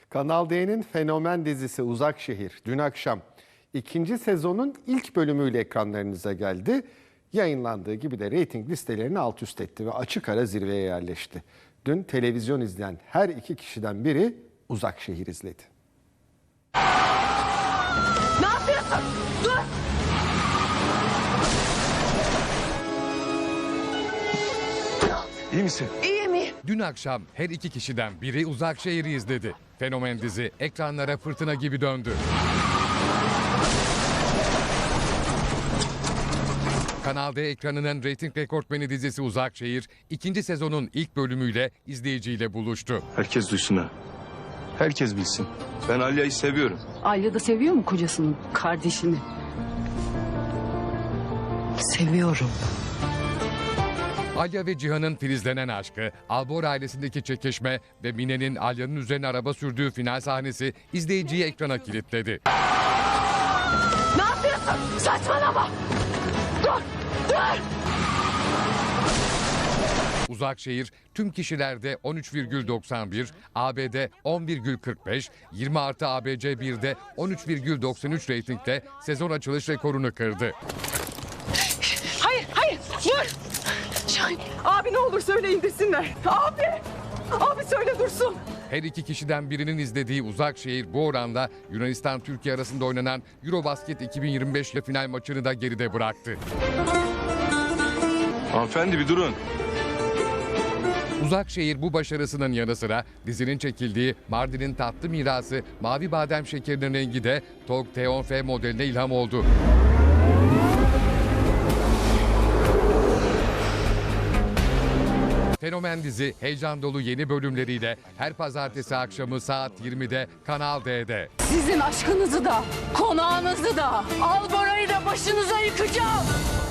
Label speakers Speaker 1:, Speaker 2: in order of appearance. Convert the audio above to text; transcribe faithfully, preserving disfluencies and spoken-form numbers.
Speaker 1: Kanal D'nin fenomen dizisi Uzak Şehir dün akşam ikinci sezonun ilk bölümüyle ekranlarınıza geldi. Yayınlandığı gibi de reyting listelerini alt üst etti ve açık ara zirveye yerleşti. Dün televizyon izleyen her iki kişiden biri Uzak Şehir izledi.
Speaker 2: Ne yapıyorsun? Dur!
Speaker 3: İyi misin?
Speaker 2: İyi mi?
Speaker 4: Dün akşam her iki kişiden biri Uzak Şehir'i izledi. Fenomen dizi ekranlara fırtına gibi döndü. Kanal D ekranının reyting rekortmeni dizisi Uzak Şehir, ikinci sezonun ilk bölümüyle izleyiciyle buluştu.
Speaker 3: Herkes duysun ha. Herkes bilsin. Ben Alya'yı seviyorum.
Speaker 5: Alya da seviyor mu kocasının kardeşini?
Speaker 2: Seviyorum.
Speaker 4: Alya ve Cihan'ın filizlenen aşkı, Albor ailesindeki çekişme ve Mine'nin Alya'nın üzerine araba sürdüğü final sahnesi izleyiciyi ekrana kilitledi.
Speaker 2: Ne yapıyorsun? Saçmalama! Dur! Dur!
Speaker 4: Uzak Şehir tüm kişilerde on üç virgül doksan bir, A B'de on virgül kırk beş, yirmi artı A B C bir'de on üç virgül doksan üç reytingle sezon açılış rekorunu kırdı.
Speaker 2: Hayır, hayır! Dur! Şahin, abi ne olur söyle indirsinler. Abi! Abi söyle dursun.
Speaker 4: Her iki kişiden birinin izlediği Uzak Şehir bu oranla Yunanistan-Türkiye arasında oynanan Eurobasket iki bin yirmi beş final maçını da geride bıraktı.
Speaker 3: Hanımefendi bir durun.
Speaker 4: Uzak Şehir bu başarısının yanı sıra dizinin çekildiği Mardin'in tatlı mirası mavi badem şekerinin rengi de T O G T on F modeline ilham oldu. Fenomen dizi heyecan dolu yeni bölümleriyle her pazartesi akşamı saat yirmide Kanal D'de.
Speaker 5: Sizin aşkınızı da, konağınızı da, Albora'yı da başınıza yıkacağım.